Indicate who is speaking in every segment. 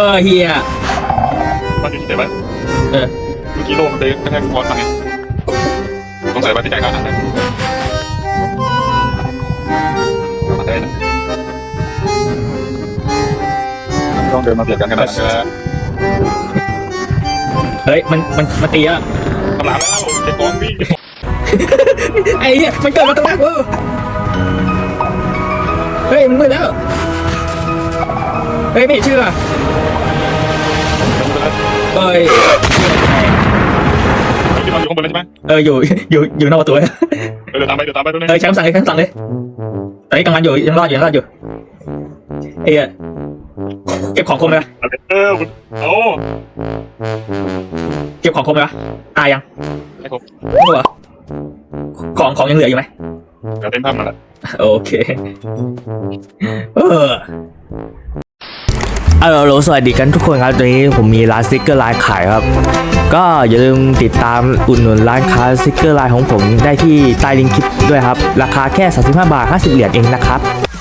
Speaker 1: เฮีย
Speaker 2: บ้านอยู่ที่ไหนบ้าง
Speaker 1: เออ
Speaker 2: เมื่อกี้โลมันไปกระแทกบอลทางไงสงสัยว่าที่จ่ายค่าอาหารนะมาได้นะต้องเดินมาเบียดกันขนาดนั้นนะ
Speaker 1: เฮ้ยมันตีอ่ะ
Speaker 2: กำลังแล้วเด็กก้อนวิ่ง
Speaker 1: ไอ้เหี้ยมันเกิดมาตั้งแต่กูเฮ้ยมึงมืดแล้วเฮ้ยไม่เชื่อเฮ้ย
Speaker 2: ที่เราอยู่ข้างบนเลยใช่ไหม
Speaker 1: อยู่นอกประตูเลย
Speaker 2: เดี๋ยวตามไปตรงนี้
Speaker 1: ใช้คำสั่งเลยตอนนี้กำลังอยู่ยังรอดอยู่เอ้ยเก็บของคมเลยปะ
Speaker 2: โอ้
Speaker 1: เก็บของคมเลยปะตายยัง
Speaker 2: ไม่ครบ
Speaker 1: ไม่ครบเหรอของยังเหลืออยู่ไหม
Speaker 2: เดี๋ยวเต็มภาพมาแล้ว
Speaker 1: โอเคฮัลโหลสวัสดีกันทุกคนครับตอนนี้ผมมีร้านสติ๊กเกอร์ไลน์ขายครับก็อย่าลืมติดตามอุดหนุนร้านค้าสติ๊กเกอร์ไลน์ของผมได้ที่ใต้ลิงก์คลิปด้วยครับราคาแค่35 บาท 50 เหรียญเองนะครับ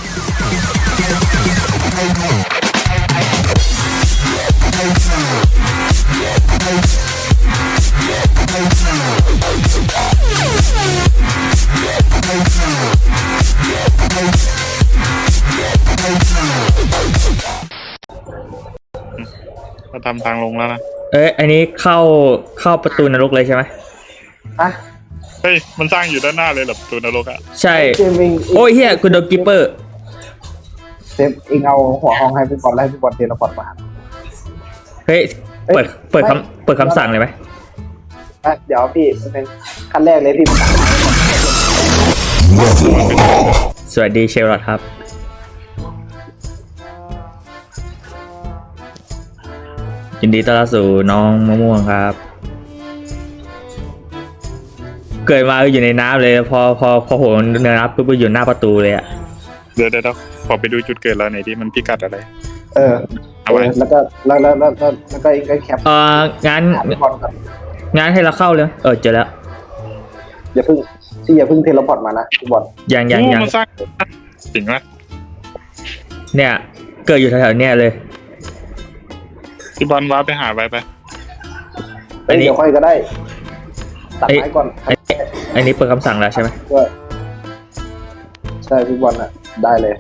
Speaker 2: มาทำทางลงแล้วนะ
Speaker 1: อันนี้เข้าประตูนรกเลยใช่ไหม
Speaker 2: เฮ้ยมันสร้างอยู่ด้านหน้าเลยเหรอประตูนรกอ่ะ
Speaker 1: ใช่โอ้ยเฮียคุณโดนกิปเปอร์
Speaker 3: เซฟเองเอาหัวห้องให้พี่บอลไล่พี่บอลเทเลพอร์ตมา
Speaker 1: เฮ้ยเปิดคำสั่งเลยไหม
Speaker 3: เดี๋ยวพี่เป็นขั้นแรกเลยพี่
Speaker 1: สวัสดีเชลลอตครับยินดีต้อนรับสู่น้องมะม่วงครับเกิดมาอยู่ในน้ำเลยพอผมเดินน้ำปุ๊บอยู่หน้าประตูเลยอ่ะ
Speaker 2: เดี๋ยวขอไปดูจุดเกิดแล้วไหนที่มันพิกัดอะไร
Speaker 3: เอาไว้แล้วก็เองก็แคป
Speaker 1: งานให้เราเข้าเลยเจอแล้ว
Speaker 3: อย่าเพิ่งเทเลพอร์ตมานะพี่บอล
Speaker 1: ยัง
Speaker 2: มันสร้างจริงไหม
Speaker 1: เนี่ยเกิดอยู่แถวๆเนี่ยเลย
Speaker 2: พี่บอลว้าไปหาไป
Speaker 3: เดี๋ยวค่อยก็ได้ตัดไม้ก่อน
Speaker 1: อันนี้เปิดคำสั่งแล้วใช่ไหม
Speaker 3: ใช่พี่บอลอ่ะได้เลย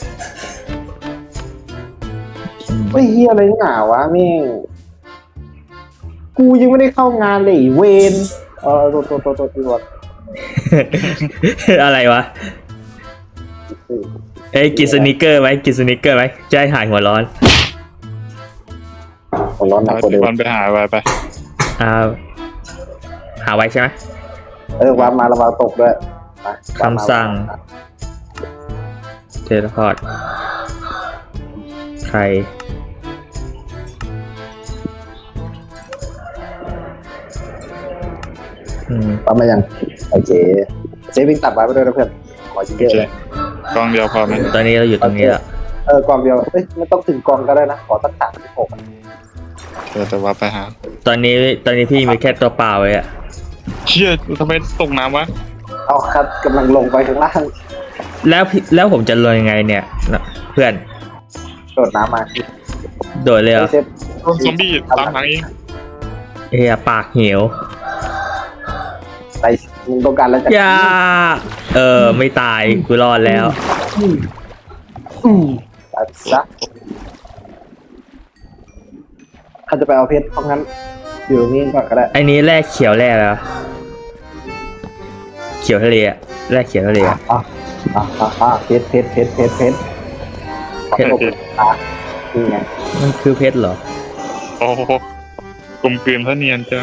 Speaker 3: ไม่เฮียอะไรหนาวะมิ่งกูยังไม่ได้เข้างานเลยเวนตัวพี่บอล
Speaker 1: อะไรวะกินสนิเกอร์ไหมจะให้หายหัวร้อน
Speaker 3: หนักกว่าเดิม
Speaker 2: ไปหาไป
Speaker 1: หาไว้ใช่ไหม
Speaker 3: วางมาระวังตกด้วย
Speaker 1: คำสั่งเทเลพอร์ตใคร
Speaker 3: ปั๊มมายังโอเคเซฟวิ่งตัดไว้ไปด้วยนะเพื่อนขอเยอะ
Speaker 2: กองเดียวพอไหม
Speaker 1: ตอนนี้เราอยู่ตรงนี้แล้ว
Speaker 3: กองเดียวไม่ต้องถึงกองก็ได้นะขอสัก36
Speaker 2: แต่ว่าไปหา
Speaker 1: ตอนนี้พี่มีแค่ตัวเปล่าเลยอะ
Speaker 2: เชี่ยทำไมตกน้ำวะ
Speaker 3: เอาครับกำลังลงไปข้างล่าง
Speaker 1: แล้วผมจะลงยังไงเนี่ยเพื่อน
Speaker 3: โดดน้ำมา
Speaker 1: โดดเลยเหรอ
Speaker 2: ซอมบี้ตามหลังเอง
Speaker 1: ปากเหี่ยว
Speaker 3: ไปมึงต้องการแล้ว
Speaker 1: จ้ะไม่ตายกูรอดแล้ว
Speaker 3: ตัดซะถ้าจะไปเอาเพชรเพราะงั้นอยู่นี่ก่อนก็ได้
Speaker 1: ไอ้นี้แรกเขียวแรกแล้วเขียวทะเลอะแรกเขียวทะเล
Speaker 3: เพชรนี่ไง
Speaker 1: มันคือเพชรเหรอ
Speaker 2: โอ้โหกลมกลืนเท่าเนียนจ้า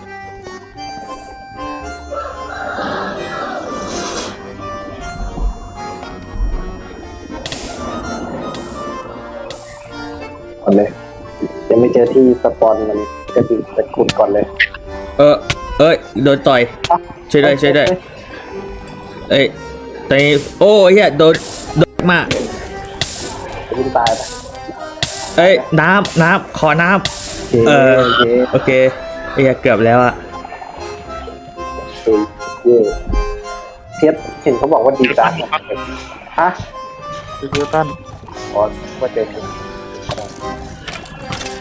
Speaker 3: ก่อนเลยยังไม่เจอที่สปอนมันจะติดไปขุดก่อนเลย
Speaker 1: โดนต่อยช่วยด้วยตอนนี้โอ้เฮียโดนมาก
Speaker 3: วิ่งตาย
Speaker 1: ไปน้ำขอน้ำโอเคเกือบแล้วอะ
Speaker 3: เพชรเห็นเขาบอกว่าดีจังฮะ
Speaker 2: คือตั้น
Speaker 3: ว่าเจอ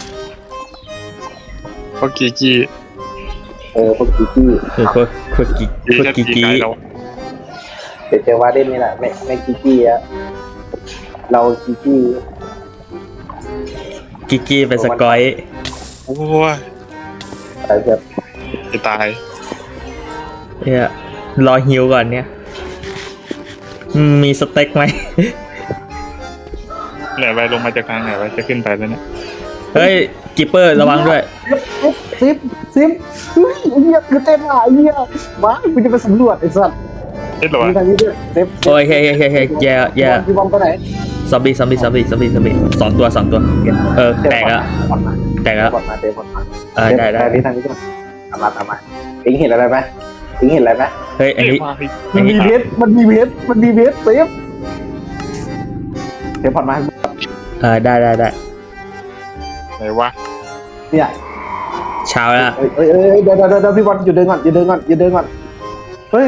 Speaker 2: เพราะกีกี้
Speaker 3: พวกกี้
Speaker 1: โคตรกิกิ
Speaker 2: เรา
Speaker 3: เดี๋ยวเจอวาเดนนี่แหละไม่กี้อะเรากี้
Speaker 1: กิกิเป็นสกอย
Speaker 2: โอ้ย
Speaker 3: อะไรแบบ
Speaker 2: จะตาย
Speaker 1: เนี่ยรอฮิวก่อนเนี่ยมีสเต็กไหม
Speaker 2: ไหนไปลงมาจากทางไหนไปจะขึ้นไปแล้วเนี่ย
Speaker 1: เฮ้ยกิปเปอร์ระวังด้วย
Speaker 3: ซิปเฮ้ยไอ้เหี้ยคือเต้นอ่ะไอ้เหี้ยมากูจะไปสำรวจไอ้สัตว์
Speaker 2: เฮ็ดหรอ
Speaker 3: มี
Speaker 2: วะ
Speaker 3: ทางนี้ด้วยซิป
Speaker 1: โอ้ยเฮ้ยแย่
Speaker 3: พี่บอมไปไหน
Speaker 1: ซอมบี้สองตัวแตกแล้ว
Speaker 3: เดี๋ยวก่อนมาเดี๋ยวก่อนมา
Speaker 1: ได้
Speaker 3: ที่ทางนี้ก่อนตามมาเอ็งเห็นอะไรไหมเอ็งเห็นอะไรไหม
Speaker 1: เฮ้ยอันนี้
Speaker 3: มันมีเพชรซิปเดี๋ยวผ่อนมา
Speaker 1: ได้
Speaker 2: ไหนวะ
Speaker 3: เนี่ย
Speaker 1: เช้าแล้ว
Speaker 3: เดี๋ยวพี่บอลหยุดเดินก่อนเฮ้ย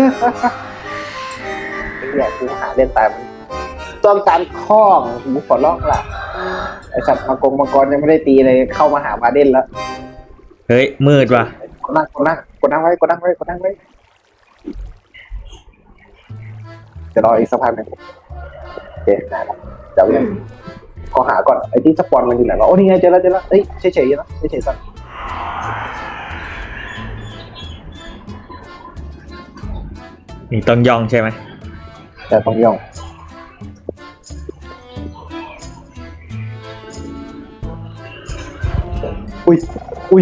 Speaker 3: เนี่ยกูหาเล่นตายมันต้องการคล้องหูขอร้องล่ะไอสัตว์มังกรยังไม่ได้ตีเลยเข้ามาหาบาเดนแล้ว
Speaker 1: เฮ้ยมืดว่ะ
Speaker 3: กดนั่งไว้จะรออีกสักพักหนึ่งโอเคได้แล้วเดี๋ยวยังขอหาก่อนไอ้ที่สปอนมันอยู่ไหนวะโอ้นี่ไงเจอแล้วเอ้ยเฉยๆนะเฉยๆสัก
Speaker 1: นี่ต้องย่องใช่ไหม
Speaker 3: แต่ต้องย่องอุ้ย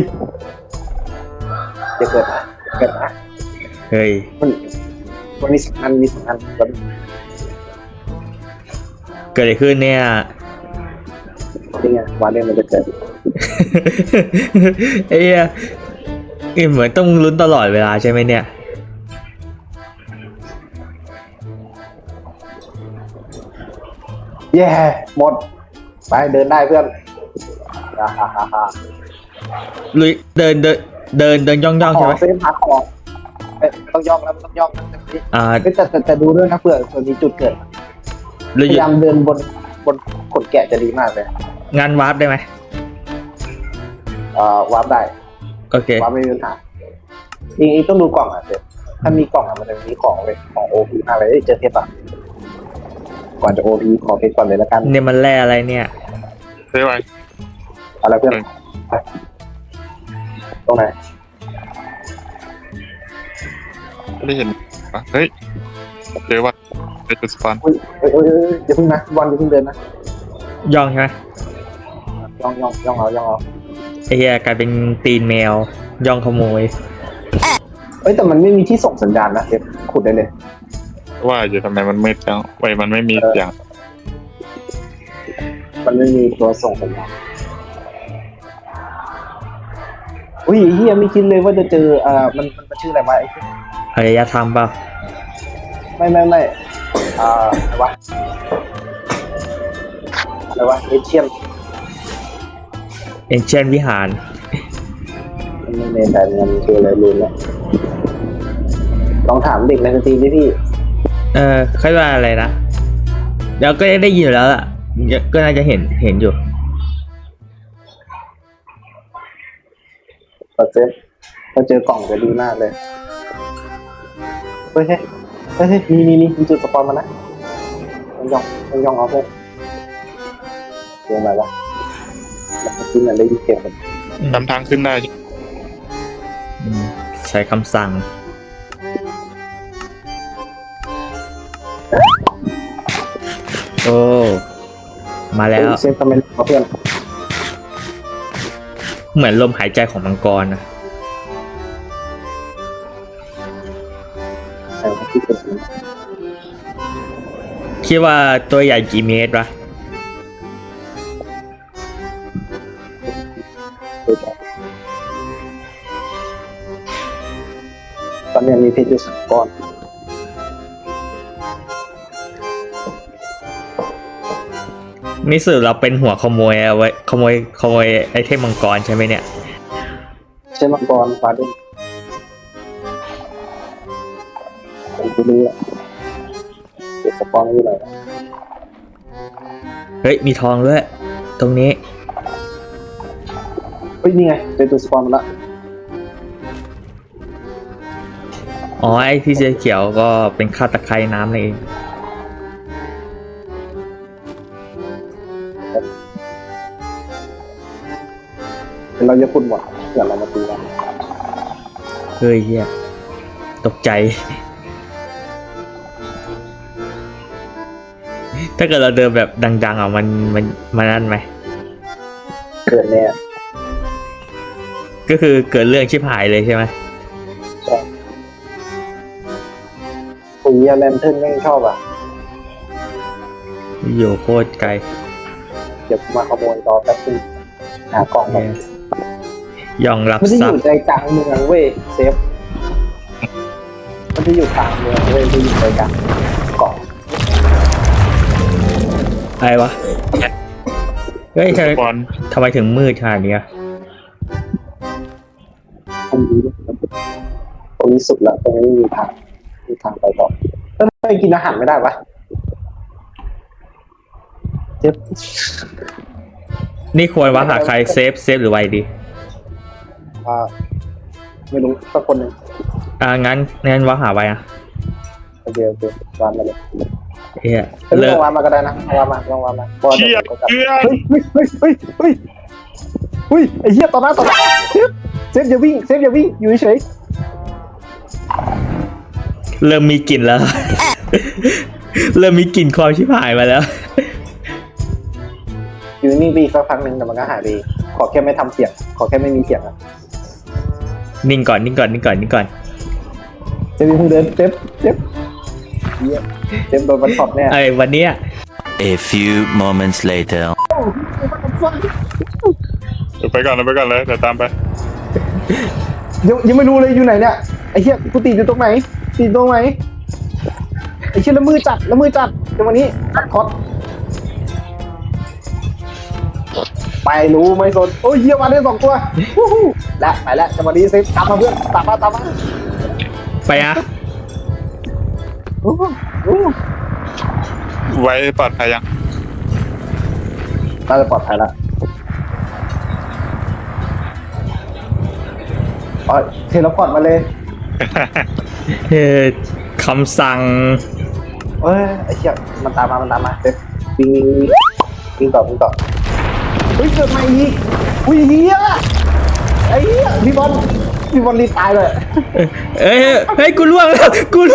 Speaker 3: จะเกิดนะ
Speaker 1: เฮ้ย
Speaker 3: มันมีสองอันมัน
Speaker 1: เกิดอะไรขึ้นเนี่ย
Speaker 3: นี่ไงวาเล่นมันจะเกิด
Speaker 1: เอ้ยเหมือนต้องลุ้นตลอดเวลาใช่ไหมเนี่ย
Speaker 3: แย่หมดไปเดินได้เพื่อนฮ่า
Speaker 1: ลุยเดินย่องใช่ไหม
Speaker 3: เซฟหาของต้องย่องแล้วต้องย่อง แต่ดูด้วยนะเผื่อมีจุดเกิดพ
Speaker 1: ลุย
Speaker 3: ยายามเดินบนขนแกะจะดีมากเลย
Speaker 1: งานวาร์ปได้ไหม
Speaker 3: วาร์ปได้
Speaker 1: โอเคว
Speaker 3: าร์ปไม่มีปัญหาจริงๆต้องดูกล่องอ่ะเสร็จถ้ามีกล่องอ่ะมันจะมีของเลยของโอพีมากเลยเจอเทปอ่ะก่อนจะโอพีขอเพชรก่อนเลยแล้วกัน
Speaker 1: เนี่ยมันแร่อะไรเนี่ย
Speaker 2: เฮ้ยไว้
Speaker 3: อะไรเพื่อนตรงไหน
Speaker 2: ไม่ได้เห็นปะเฮ้ยเจอว่าเจอจุดสปอน
Speaker 3: อย่าเพิ่งนะบอลอย่าเพิ่งเดินนะ
Speaker 1: ย่องใช่ไหม
Speaker 3: ย่องเอา
Speaker 1: ไอ้เหี้ยกลายเป็นตีนแมวย่องขโมย
Speaker 3: แต่มันไม่มีที่ส่งสัญญาณนะเดี๋ยวขุดได้เลย
Speaker 2: ว่าอยู่ทำไมมันมืดจังไว้มันไม่มีเสียง
Speaker 3: มันไม่มีตัวส่งสัญญาณอุ้ยเฮียไม่คิดเลยว่าจะเจอมันชื่ออะไรวะไอ้
Speaker 1: อารยธรรมเปล่า
Speaker 3: ไม่อะไรวะเอเชียน
Speaker 1: เอ็นเชนวิหาร
Speaker 3: ไม่ในแต่เงินคืออะไรลืมแล้วลองถามเด็กในสตรีมดิพี่
Speaker 1: ค่อยว่าอะไรนะเดี๋ยวก็ได้ยินอยู่แล้วล่ะก็น่าจะเห็นอยู่
Speaker 3: เปอร์เซ็นต์ถ้าเจอกล่องจะดีมากเลยเฮ้ยมีจุดสปอนมานะต้องย่องเอาพวกเรื่องอะไรวะแล้วที่มันได้ยินเสียงมัน
Speaker 2: นำทางขึ้นได้
Speaker 1: ใช้คำสั่งโอ้มาแล้ว
Speaker 3: เซฟคอมเมนต์เพื่อน
Speaker 1: เหมือนลมหายใจของมังกรนะ
Speaker 3: ที่เป็น
Speaker 1: คิดว่าตัวใหญ่กี่เมตรวะ
Speaker 3: ตอนนี้มีเพชรอยู่2 ก้อน
Speaker 1: นี่สื่อเราเป็นหัวขโมยเอาไว้ขโมยไอเทมมังกรใช่ไหมเนี่ย
Speaker 3: ใช่มังกรฟ้าดินผมไม่รู้อะเก็บสปอนไว้หน่อยนะ
Speaker 1: เฮ้ยมีทองด้วยตรงนี้
Speaker 3: ฮ้ยนี่ไงเจอตัวสปอนมาละ
Speaker 1: อ๋อไอ้ที่เสื้อเขียวก็เป็นข้าวตะไคร่น้ำนั่นเอง
Speaker 3: เดี๋ยวเราจะพูดหมดเดี๋ยวเรามาตีกัน
Speaker 1: เฮ้ยเฮียตกใจ ถ้าเกิดเราเดินแบบดังๆอ่ะมันนั่นไหม
Speaker 3: เกิดเนี่ย
Speaker 1: ก็คือเกิดเรื่องชิบหายเลยใช่ไหม
Speaker 3: ใช่ปุ๋ยแลนเทิร์นไม่ชอบอ่ะ
Speaker 1: อยู่โคตรไกล
Speaker 3: เดี๋ยวมาขโมยต่อแป๊บนึงหากล่องแบบ
Speaker 1: ย่องรับ
Speaker 3: มันจะ
Speaker 1: ท
Speaker 3: อ
Speaker 1: รัพ
Speaker 3: ยู่
Speaker 1: ย์
Speaker 3: ใจกลางเมืองเว้ยเซฟมันจะอยู่กลางเมืองเว้ยจะอยู่ใจกลางเกาะ
Speaker 1: อะไรวะเฮ้ย
Speaker 2: สปอน
Speaker 1: ทำไมถึงมืดขนาดนี้อะ
Speaker 3: ตรงนี้สุดละตรงนี้มีทางไปต่อทำไมกินอาหารไม่ได้ปะเจ็บ
Speaker 1: นี่ควรว่าหาใครเซฟหรือไวดี
Speaker 3: ไม่รู้สักคนหนึ่ง
Speaker 1: งั้นว่าหาไวอ่ะ
Speaker 3: โอเควางมาเลย
Speaker 1: เฮีย
Speaker 3: เลิ
Speaker 1: เลิก
Speaker 3: กวางมาก็ได้นะวางมาลองวางมา
Speaker 2: เชี่ยเชี่ย
Speaker 3: เฮ้ยไอ้เหี้ยต่อหน้าเซฟอย่าวิ่งอยู่เฉย
Speaker 1: เริ่มมีกลิ่นแล้ว เริ่มมีกลิ่นความชิบหายมาแล้ว
Speaker 3: อยู่นิ่งไปอีกสักพักหนึ่งแต่มันก็หายไปขอแค่ไม่ทำเสียงขอแค่ไม่มีเสียงอะ
Speaker 1: นิ่งก่อน
Speaker 3: เซฟเดินเซฟโดนมันช็อตแน่
Speaker 1: ไอ้วันเนี้ย
Speaker 4: A few moments later.
Speaker 2: เดี๋ยวไปก่อนเลยเดี๋ยวตามไป
Speaker 3: ยังไม่รู้เลยอยู่ไหนเนี่ยไอ้เหี้ยกูติดอยู่ตรงไหนไอ้เหี้ยแล้วมือจัดเดี๋ยววันนี้ตัดคอสไปรู้ไม่สนโอ้ยเหี้ยมาได้2 ตัวและไปแล้วจังหวะนี้เซฟตามมาเพื่อนตามมา
Speaker 1: ไปอ่ะ
Speaker 2: ไว้ปลอดภัยยัง
Speaker 3: น่าจะปลอดภัยละอ๋อเทเลพอร์ตมาเลย
Speaker 1: เฮ้ยคำสั่ง
Speaker 3: เอ้ยไอ้เหี้ยมันตามมาเซฟวิ่งต่อเฮ้ยเกิดมาอีกอุ้ยเหี้ยไอ้เหี้ยพี่บอลรีบตายเลย
Speaker 1: เฮ้ยกูล่วงแล้ว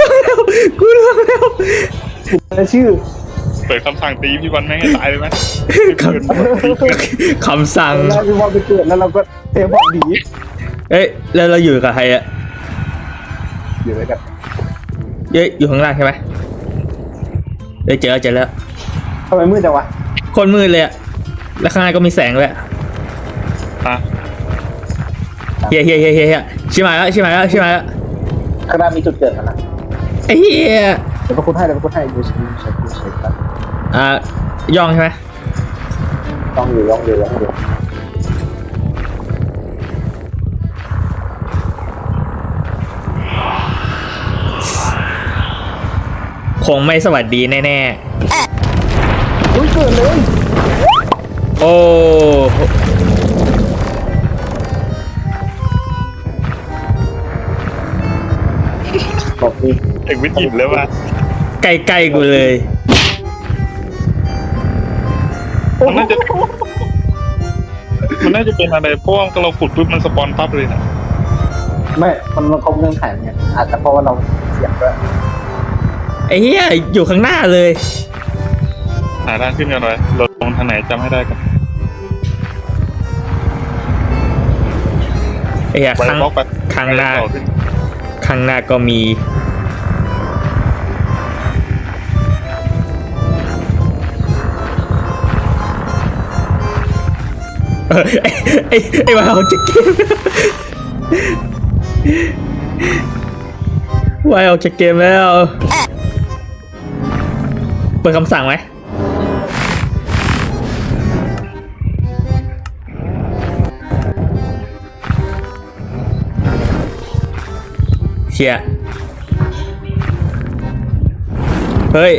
Speaker 3: ชื่อ
Speaker 2: เปิดคำสั่งตีพี่บอลแม่งให้ตายเลยไหม
Speaker 1: คำสั่ง
Speaker 3: แล้วพี่บอลไปเกิดแล้วเราก็เทบอลหนี
Speaker 1: เอ้ยแล้วเราอยู่กับใครอะ
Speaker 3: อยู่ด้วยกัน
Speaker 1: อยู่ข้างล่างใช่ไหมเจอแล้ว
Speaker 3: ทำไมมืดจังวะ
Speaker 1: คนมืดเลยอะแล้วข้างในก็มีแสงด้วย
Speaker 2: อ่ะ
Speaker 1: เฮียชิบหายแล้ว
Speaker 3: ข้างหน้ามีจุดเกิดกันนะ
Speaker 1: ไอ้เฮีย
Speaker 3: เดี๋ยวพระคุณให้ดูใช้ครับ
Speaker 1: ย่องใช่ไหม
Speaker 3: ย่องอยู่
Speaker 1: คงไม่สวัสดีแน่
Speaker 3: อุ้ยเกิดเลย
Speaker 1: ๆโอ้
Speaker 3: บอกนี่
Speaker 2: เอกวิทย์หยิบเลยว่ะ
Speaker 1: ใกล้กูเลย
Speaker 2: มันน่าจะเป็นอะไรเพราะว่าเราขุดปุ๊บมันสปอนปั๊บเลยนะ
Speaker 3: ไม่มันครบเงื่อนไขไงอาจจะเพราะว่าเราเสียงด้วย
Speaker 1: ไอ้เฮียอยู่ข้างหน้าเลย
Speaker 2: หาทางขึ้นกันเลยเราลงทางไหนจำให้ได้กัน
Speaker 1: ไอ้เฮีย
Speaker 2: ไว้บล็อกไป
Speaker 1: ข้างหน้า
Speaker 2: ต่อขึ้น
Speaker 1: ข้างหน้าก็มีไอ้วายออกจากเกมวายออกจากเกมแล้วเปิดคำสั่งไหมเชียเฮ้ย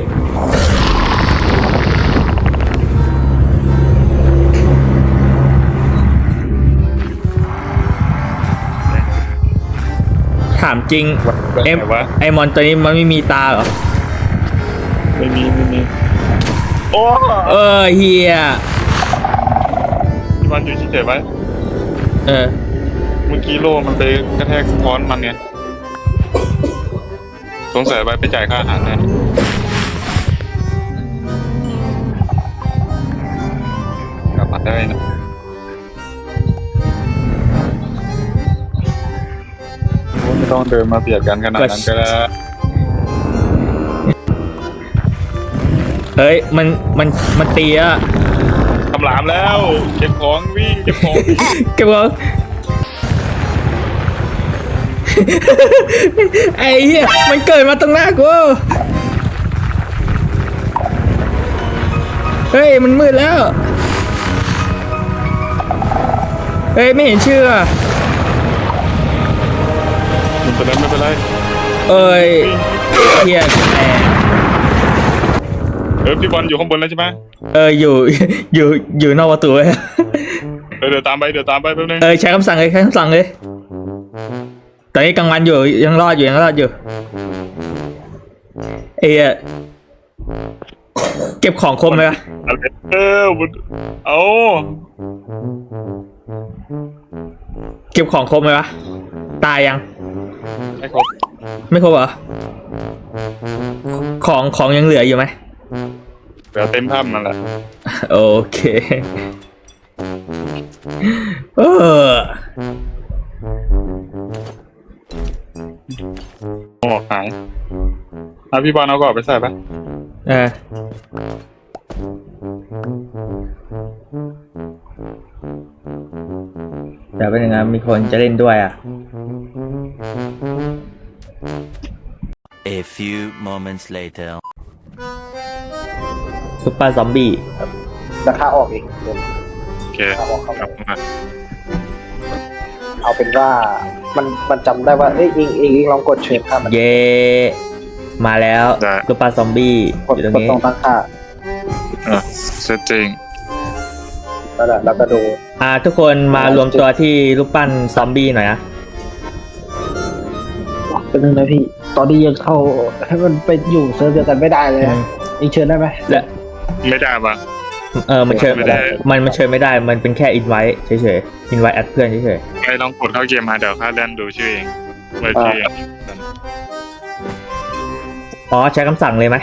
Speaker 1: ามจริง
Speaker 2: แบบ
Speaker 1: เอ็ม
Speaker 2: ไหนวะ
Speaker 1: ไอมอนตัวนี้มันไม่มีตาเหรอ
Speaker 2: ไม่มีโอ้
Speaker 1: เฮีย
Speaker 2: พี่วันอยู่เฉยๆไว้
Speaker 1: เออ
Speaker 2: เมื่อกี้โล่มันไปกระแทกค้อนมันไงสงสัยไปจ่ายค่าอาหารแน่กลับมาได้นะไม่ต้องเดินมาเบียดกันขนาดนั้นก็ได้
Speaker 1: เฮ้ยมันตีอะ
Speaker 2: ทำหลามแล้วเก็บของวิ่งเก็บของ
Speaker 1: เก็บของ ไอ้เหี้ยมันเกิดมาตรงหน้ากูเฮ้ยมันมืดแล้วเฮ้ยไม่เห็นชื่ออะ
Speaker 2: ไม่เป็นไร
Speaker 1: เอ้ยเฮียแหม
Speaker 2: พี่บอลอยู่ข้างบนแล้วใช่ไหม
Speaker 1: อยู่ อยู่นอกประตูเลย
Speaker 2: เดี๋ยวตามไปแป๊บนึง
Speaker 1: ใช้คำสั่งเลยตอนนี้กลางวันอยู่ยังรอดอยู่เอ้ยเก็บของคมไหมวะ
Speaker 2: อะไรเอา
Speaker 1: เก็บของคมไหมวะตายยัง
Speaker 2: ไม่ครบ
Speaker 1: ไม่ครบเหรอของยังเหลืออยู่ไหม
Speaker 2: เดี๋ยวเต็มถ้ำนั่นแหละ
Speaker 1: โอเค
Speaker 2: หมอกหายพี่บอลเอาก่อนไปใส่ปะ
Speaker 1: เดี๋ยวเป็นยังไงมีคนจะเล่นด้วยอ่ะ
Speaker 4: A few moments later.
Speaker 1: ซุปเปอร์ซอมบี้
Speaker 3: ราคาออกเองเดี๋ยว
Speaker 2: โอเค
Speaker 3: ราคาออกเข้า
Speaker 2: ครับ
Speaker 3: มาเอาเป็นว่ามันจำได้ว่าเอ้ยเองลองกดเชิญค่ามัน
Speaker 1: เย่มาแล้วซุปเปอร์ซอมบี้
Speaker 3: กด
Speaker 1: อยู่ตรง
Speaker 3: กด
Speaker 1: นี้
Speaker 3: ตรงตั้งค่า
Speaker 2: เซตจริง
Speaker 3: แล้วก็ดู
Speaker 1: ทุกคนมารวมตัวที่รูปปั้นซอมบี้หน่อยนะ
Speaker 3: เป็นนึงนะพี่ ตอนนี้ยังเข้าให้มันไปอยู่เซิร์ฟเดียวกันไม่ได้เลยนะเองเชิญได้ไหม
Speaker 1: และ
Speaker 2: ไม่ได้ปะ
Speaker 1: มันเชิญ
Speaker 2: ไม่ได้
Speaker 1: มันเชิญไม่ได้มันเป็นแค่อินไว้เฉยๆอินไว้แอดเพื่อนเฉย
Speaker 2: ไปลองกดเข้าเกมมาเดี๋ยวข้าเล่นดูชื่อเองเปิดชื่อเอง
Speaker 1: อ๋อใช้คำสั่งเลยไหม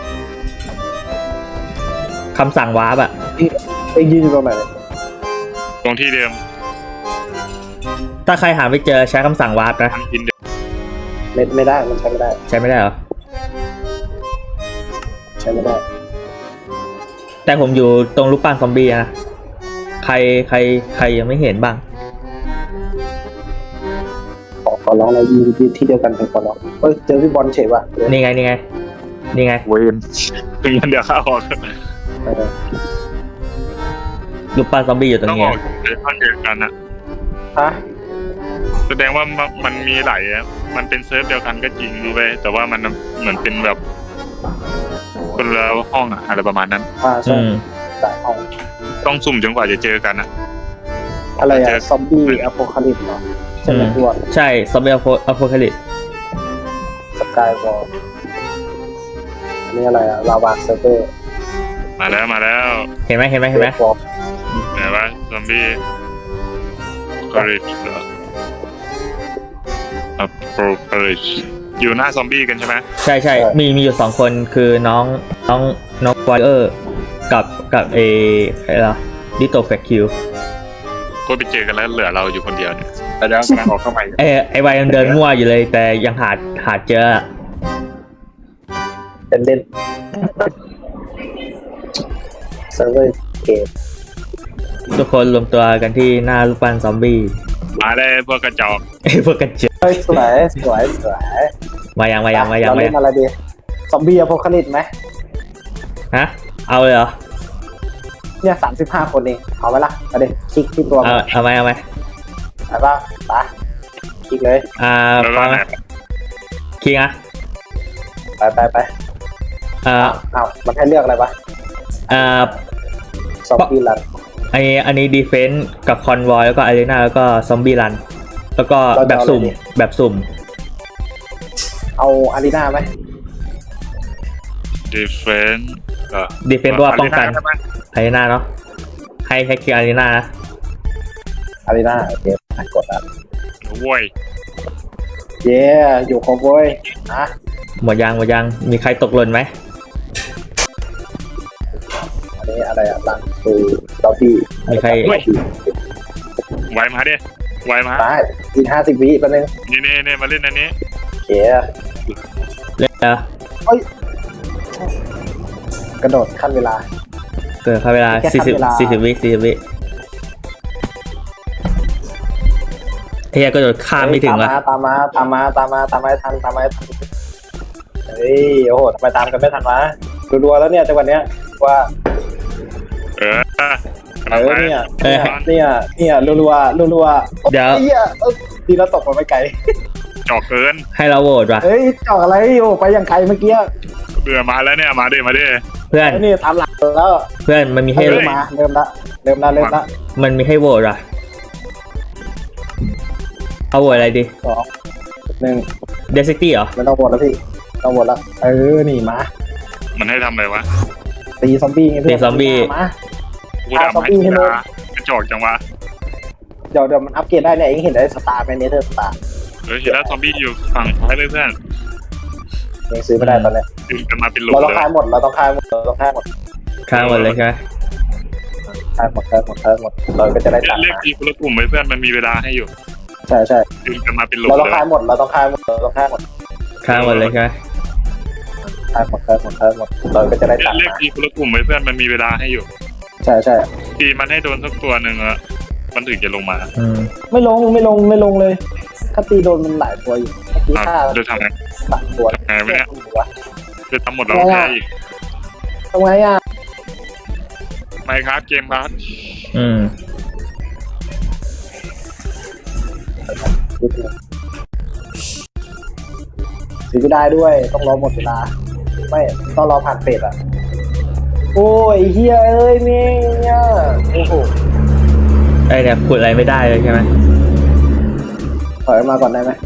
Speaker 1: คำสั่งวาร์ปอะ
Speaker 3: เองยืนอยู่ตรงไหน
Speaker 2: ตรงที่เดิม
Speaker 1: ถ้าใครหาไม่เจอใช้คำสั่งวาร์ปนะ
Speaker 2: ทำกินเดิม
Speaker 3: ไม่ได้มันใช้ไม่ได้
Speaker 1: ใช้ไม่ได้เหรอ
Speaker 3: ใช้ไม่ได้
Speaker 1: แต่ผมอยู่ตรงรูปปั้นซอมบี้นะใครยังไม่เห็นบ้าง
Speaker 3: ขอร้องเรายืนที่เดียวกันเถอะขอร้องเจอพี่บอลเฉยว่ะ
Speaker 1: นี่ไง
Speaker 2: เวนถึงงั้นเดี๋ยวข้าออก
Speaker 1: รูปปั้นซอมบี้อยู่ตรง
Speaker 2: ต้อง
Speaker 1: นี้
Speaker 2: ออกในข้างเดียวกันนะ
Speaker 3: ฮะ
Speaker 2: แสดงว่ามันมีหลายมันเป็นเซิร์ฟเดียวกันก็จริงรู้ไหมแต่ว่ามันเหมือนเป็นแบบคนละห้องอะไรประมาณนั้น
Speaker 3: ใช่สายห้อง
Speaker 2: ต้องสุ่มจนกว่าจะเจอกันนะ
Speaker 3: อะไรอะซอมบี้อโพคาลิปส์เหรอใช่ไหมพี่บอล
Speaker 1: ใช่ซอมบี้อโพคาลิปส์
Speaker 3: สกายวอลอันนี้อะไรอะลาวาเซิร์ฟเวอร์
Speaker 2: มาแล้ว
Speaker 1: เห็นไหม
Speaker 2: ไหนวะซอมบี้คอริชเหรอคอริชอยู่หน้าซอมบี้กันใช่ไหม
Speaker 1: ใช่มีอยู่2คนคือน้องวอลเออร์กับใครล่ะดิโตแฟคิว
Speaker 2: ก็ไปเจอกันแล้วเหลือเราอยู่คนเดียวเนี่ยแต่เดี๋ยวกำลังออกเข้าไป
Speaker 1: ไอวัยยังเดินมั่วอยู่เลยแต่ยังหาเจอ
Speaker 3: เล่นเซิร์ฟเวอร์เกม
Speaker 1: ทุกคนรวมตัวกันที่หน้ารูปปั้นซอมบี้
Speaker 2: มาได้พวกกระจอก
Speaker 1: พวกกันเจอ
Speaker 3: เฮ้ยสวย
Speaker 1: มายัง
Speaker 3: เราเล่นอะไรดีซอมบี้อโพคาลิปส์ไหม
Speaker 1: ฮะเอาเลยเหรอ
Speaker 3: เนี่ย35 คนเองเอาไว้ละเอาดิคลิกที่ตัวมัน
Speaker 1: เอาไหม
Speaker 3: ไปป่ะไปคลิกเลย
Speaker 2: แล้วก็
Speaker 1: ฟัง
Speaker 2: ไหน
Speaker 1: นะคิงอ่ะ
Speaker 3: ไปเอามันให้เลือกอะไรปะซอมบี้รัน
Speaker 1: อันนี้ดีเฟนส์กับคอนวอยแล้วก็อารีนาแล้วก็ซอมบี้รันแล้วก็แบบสุ่ม
Speaker 3: เอาอารีนาไหม
Speaker 2: ดีเฟนส์
Speaker 1: ดีเฟนต์ว่าป้องกันอารีนาเนาะให้คิวอารีนานะ
Speaker 3: อารีนาโอเคกดอ่ะ
Speaker 2: โว้ย
Speaker 3: เย้อยู่ครบเว้ยนะ
Speaker 1: หมดยังมีใครตกหล่นไหม
Speaker 3: อันนี้อะไรอ่ะลังตูดอบี้
Speaker 1: มีใคร
Speaker 2: ไวมาดิไวมา
Speaker 3: ได้อีก50 วิแป๊บนึง
Speaker 2: นี่มาเล่นอันนี้
Speaker 3: โอเค
Speaker 1: เล่นแล้ว
Speaker 3: กระโดดขั้นเวลา
Speaker 1: เกิดเข้าเวลา
Speaker 3: แค่ขั้นเวลา
Speaker 1: 40 วิเฮียก็โดดข้ามไม่ถึงวะ
Speaker 3: ตามมาให้ทันเฮ้ยโอ้โหทำไมตามกันไม่ทันวะรัวๆแล้วเนี่ยจังหวะเนี้ยว่า เนี่ยรัวๆ
Speaker 1: เดี๋ยว
Speaker 3: เฮียดีแล้วตกมาไม่ไกล
Speaker 2: จอกเกิน
Speaker 1: ให้เราโหวตว่ะ
Speaker 3: เฮ้ยจอกอะไรอยู่ไปอย่างไกลเมื่อกี้
Speaker 2: เบื่อมาแล้วเนี่ยมาดิ
Speaker 1: เพื่อน
Speaker 3: ไอ้นี่ทำหลังแล้ว
Speaker 1: เพื่อนมันมีให้
Speaker 3: เริ่มละ
Speaker 1: มันมีให้โหวตว่ะเอาโหวตอะไรดี
Speaker 3: 2 1
Speaker 1: เดซิตี้เหรอ
Speaker 3: ไม่ต้องวนแล้วพี่ต้องวนแล้วนี่มา
Speaker 2: มันให้ทำอะไรวะ
Speaker 3: ตีซอมบี้ไงเพื่อน
Speaker 1: ตีซอมบี้
Speaker 3: มา
Speaker 2: กูดำให้กีฬากระจอกจังวะ
Speaker 3: เดี๋ยวมันอัปเกรดได้เนี่ยเองเห็นได้สตาร์ไหมเนเธอร์สตาร์
Speaker 2: เฮ้ยเห็นแล้วซอมบี้อยู่ฝั่งซ้ายเลยเพื่อน
Speaker 3: ยังซื้อไม่ได้ตอนเนี้ย
Speaker 2: ดึงกันมาเป็นโหล
Speaker 3: เราต้อง
Speaker 2: เลย
Speaker 3: คายหมดเราต้องคายหมด
Speaker 1: ข้ามหมดเลยใช่ไหม
Speaker 3: คายหมดเราก็จะได้ตัด
Speaker 2: เรียกทีคนละกลุ่มไปเพื่อนมันมีเวลาให้อยู่
Speaker 3: ใช่
Speaker 2: ดึงกันมาเป็นโหล
Speaker 3: เราต้อ
Speaker 2: เล
Speaker 3: ง
Speaker 2: ย
Speaker 3: คายหมดเราต้องคายหมด
Speaker 1: ข้ามหมดเลยใช่ไหม
Speaker 3: คายหมดเราก็จะได้ตัด
Speaker 2: เรียกทีคนละกลุ่มไปเพื่อนมันมีเวลาให้อยู่
Speaker 3: ใช่
Speaker 2: ทีมันให้โดนสักตัวหนึ่งอะมันถึงจะลงมา
Speaker 3: ไม่ลงเลยถ้าตีโดนมันหลายตัวอยู่เมื่อกี้ฆ่า
Speaker 2: จะทำไง
Speaker 3: 3 ตัว
Speaker 2: ไงวะเนี่ยจะทำหมดเราแพ้อีก
Speaker 3: ทำไงอ่ะ
Speaker 2: ไม่ครับเกมครับ
Speaker 3: ซื้อไม่ได้ด้วยต้องรอหมดเวลาไม่ต้องรอผ่านเฟสอ่ะโอ้ยเฮียเอ้ยเนี่ยโอ้โห
Speaker 1: ไอเนี่ยขุดอะไรไม่ได้เลยใช่ไหม
Speaker 3: ถอยมาก่อนได้ไหม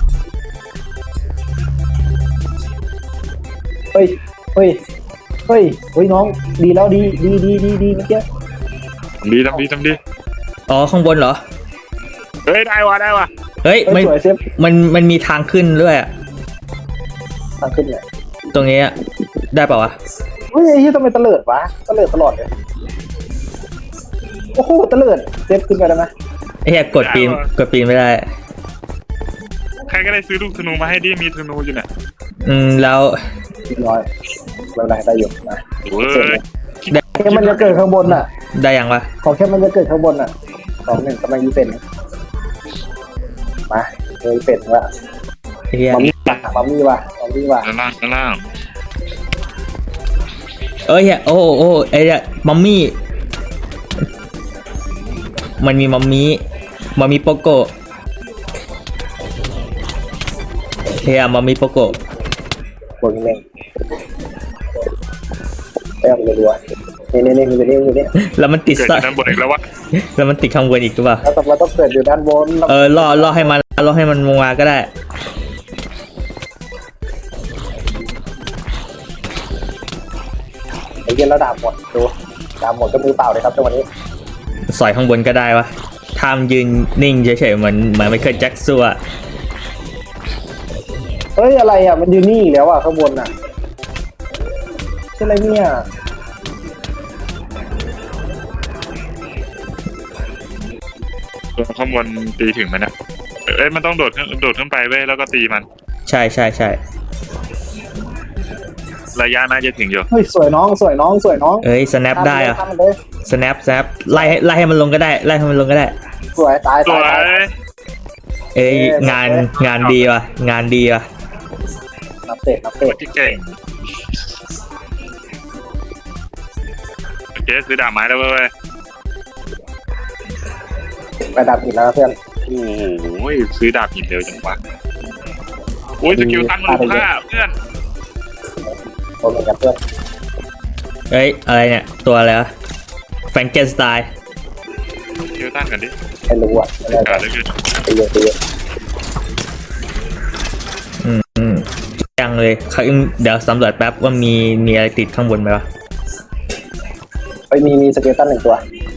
Speaker 3: เฮ้ยน้องดีแล้วดีเมื่อกี้
Speaker 2: ทำดี
Speaker 1: อ๋อข้างบนเหรอ
Speaker 2: เฮ้ยได้วะ
Speaker 1: เฮ้ย
Speaker 3: เฮ้ยสวยเซฟ
Speaker 1: มันมีทางขึ้นด้วยอะ
Speaker 3: ทางขึ้นเลย
Speaker 1: ตรงนี้อะได้เปล่าวะ
Speaker 3: เฮ้ยไอ้ที่ทำไมตะเลิดวะตะเลิดตลอดเลยโอ้โหตะเลิดเซฟขึ้นไปได้ไหม
Speaker 1: ไอ้เหี้ยกดปีนไม่ได้
Speaker 2: ใครก็ได้ซื้อลูกธนูมาให้ดิมีธนูอยู่เนี่ย
Speaker 1: แล้ว
Speaker 3: เรียบร้อยไม่เป็นไรได้อยู่นะ
Speaker 2: โอ้ย
Speaker 3: แค่มันจะเกิดข้างบนน่ะ
Speaker 1: ได้ยังวะ
Speaker 3: ขอแค่มันจะเกิดข้างบนน่ะ2-1กำลังยีเฟนมายีเฟนละ
Speaker 1: ไอ้เหี้ย
Speaker 3: มัมมี่ว่ะ
Speaker 2: ด้านล่าง
Speaker 1: เอ้ยเหี้ยโอ้ไอ้เนี่ยมัมมี่มันมีมัมมี่โปโกเฮียมัมมี่โปโก
Speaker 3: บวกอีกหนึ่งแต้มรัวๆนี่
Speaker 1: แล้วมันติด
Speaker 2: เกิดจากด้านบนอีกแล้ววะ
Speaker 1: แล้วมันติดข้างบนอีกหรือเปล่า
Speaker 3: แล้วเราต้องเกิดอยู่ด้านบน
Speaker 1: ล่อให้มันลงมาก็ได้
Speaker 3: ไอ้เหี้ยแล้วดาบหมดดูดาบหมดก็มือเปล่าเลยครับจังหวะนี้
Speaker 1: สอยข้างบนก็ได้วะทำยืนนิ่งเฉยๆเหมือนไมเคิลแจ็คสัน
Speaker 3: เฮ้ยอะไรอ่ะมันอยู่นี่อีกแล้วอ่ะข้างบนอ่ะใช่อะไรเนี่ย
Speaker 2: ตัวข้างบนตีถึงไหมเนี่ยเอ้ยมันต้องโดดขึ้นไปเว้ยแล้วก็ตีมัน
Speaker 1: ใช่
Speaker 2: ระยะน่าจะถึงอยู่
Speaker 3: เฮ้ยสวยน้อง
Speaker 1: เอ้ย snap ได้อะ
Speaker 3: ทำมันเลย
Speaker 1: snap ไล่ให้มันลงก็ได้
Speaker 3: สวยตาย
Speaker 2: สวย
Speaker 1: เอ้ยงานดีว่ะ
Speaker 3: นับเตะ
Speaker 2: ที่เก่งโอเคซื้อดาบไม้แล้วเว้ย
Speaker 3: ไปดับอีกแล้วเพื่อน
Speaker 2: โอ้ยซื้อดาบหินเร็วจังวะโอ้ยสกิลตันมันรู้ค่าเพื่อน
Speaker 3: โดนเหมือนกันเพื่อน
Speaker 1: เอ้ยอะไรเนี่ยตัวอะไรวะแฟรงเกนสไตล์
Speaker 2: สกิลตันกันดิ
Speaker 3: ไม่รู้อ่ะไม่ได้
Speaker 2: การเลยคือ
Speaker 3: ไปเยอะ
Speaker 1: อืมเลยเดี๋ยวสำรวจแป๊บว่ามีอะไรติดข้างบนไหมวะ
Speaker 3: มีสเกลตัน1 ตัว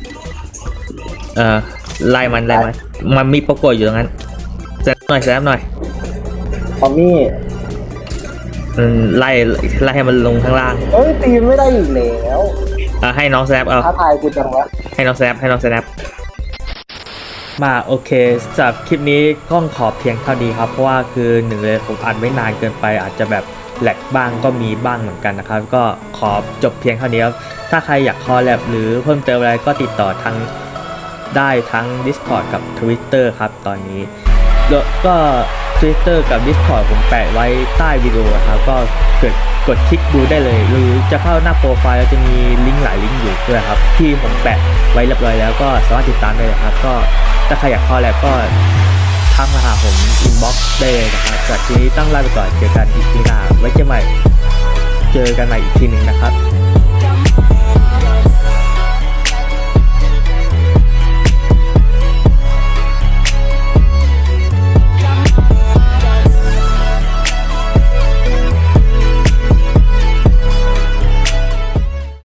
Speaker 1: ไล่มันมันมีโปรโกอยู่ตรงนั้นแซมหน่อย
Speaker 3: พอมี่
Speaker 1: ไล่ให้มันลงข้างล่าง
Speaker 3: ตีไม่ได้อีกแล้ว
Speaker 1: ให้น้องแซมเอา
Speaker 3: ท้าทายกูจังวะ
Speaker 1: ให้น้องแซมมาโอเคสำหรับคลิปนี้ก็ขอเพียงเท่านี้ครับเพราะว่าคือหนึ่งเลยผมอัดไม่นานเกินไปอาจจะแบบแหลกบ้างก็มีบ้างเหมือนกันนะครับก็ขอจบเพียงเท่านี้ครับถ้าใครอยากคอลแลบหรือเพิ่มเติมอะไรก็ติดต่อได้ทั้ง Discord กับ Twitter ครับตอนนี้แล้วก็ Twitter กับ Discord ผมแปะไว้ใต้วิดีโอครับก็กดคลิกดูได้เลยหรือจะเข้าหน้าโปรไฟล์แล้วจะมีลิงก์หลายลิงก์อยู่ด้วยครับที่ผมแปะไว้เรียบร้อยแล้วก็สามารถติดตามได้เลยครับก็ถ้าใครอยากคอลแลบก็ทักมาหาผมอินบ็อกซ์ได้เลยนะครับสำหรับทีนี้ต้องลาไปก่อนเจอกันอีกทีหน้าไว้เจอกันใหม่อีกทีหนึ่งนะครับ